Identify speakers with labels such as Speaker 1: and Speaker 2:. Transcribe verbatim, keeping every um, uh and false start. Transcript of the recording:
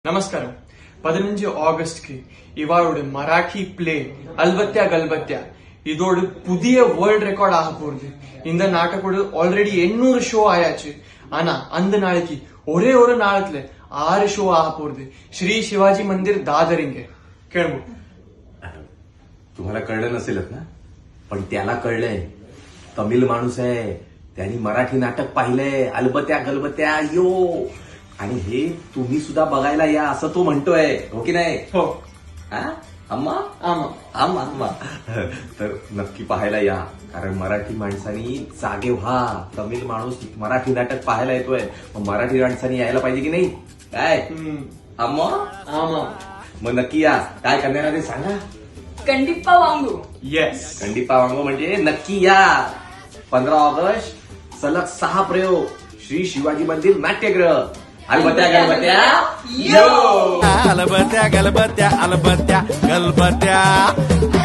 Speaker 1: നമസ്കാരം. പതിനഞ്ച് ஆகஸ்ட்க்கு இவாளோட மராட்டி பிளே அல்பத்தியா கல்பத்தியா இதோட புதிய வேர்ல்ட் ரெக்கார்ட் ஆக போகுது. இந்த நாட்டக்கோடு ஆல்ரெடி எண்ணூறு ஷோ ஆயாச்சு. ஆனா அந்த நாளைக்கு ஒரே ஒரு நாளத்துல ஆறு ஷோ ஆக போகுது. श्री शिवाजी मंदिर दादर इंगे केळबो.
Speaker 2: तुम्हाला कळलं नसेलच ना, पण त्याला कळलंय. तमिळ माणूस आहे, त्यांनी मराठी नाटक पाहिलंय, अलबत्या गलबत्या यो. आणि हे तुम्ही सुद्धा बघायला या असं तो म्हणतोय, हो की नाही?
Speaker 1: हो
Speaker 2: हा? अम्मा
Speaker 1: आमा
Speaker 2: आम्हा अम्मा तर नक्की पाहायला या, कारण मराठी माणसांनी जागे व्हा. तमिळ माणूस मराठी नाटक पाहायला येतोय, मग मराठी माणसांनी यायला पाहिजे की नाही? काय
Speaker 1: हम्म,
Speaker 2: अम्मा?
Speaker 1: आमा
Speaker 2: मग नक्की या. काय करणार आहे ते सांगा.
Speaker 3: कंडिप्पा वांगू.
Speaker 1: येस.
Speaker 2: कंडिपा वांगो म्हणजे नक्की या. पंधरा ऑगस्ट सलग सहा प्रयोग. श्री शिवाजी मंदिर नाट्यगृह. अलबत्या गलबत्या यो.
Speaker 4: अलबत्या गलबत्या अलबत्या गलबत्या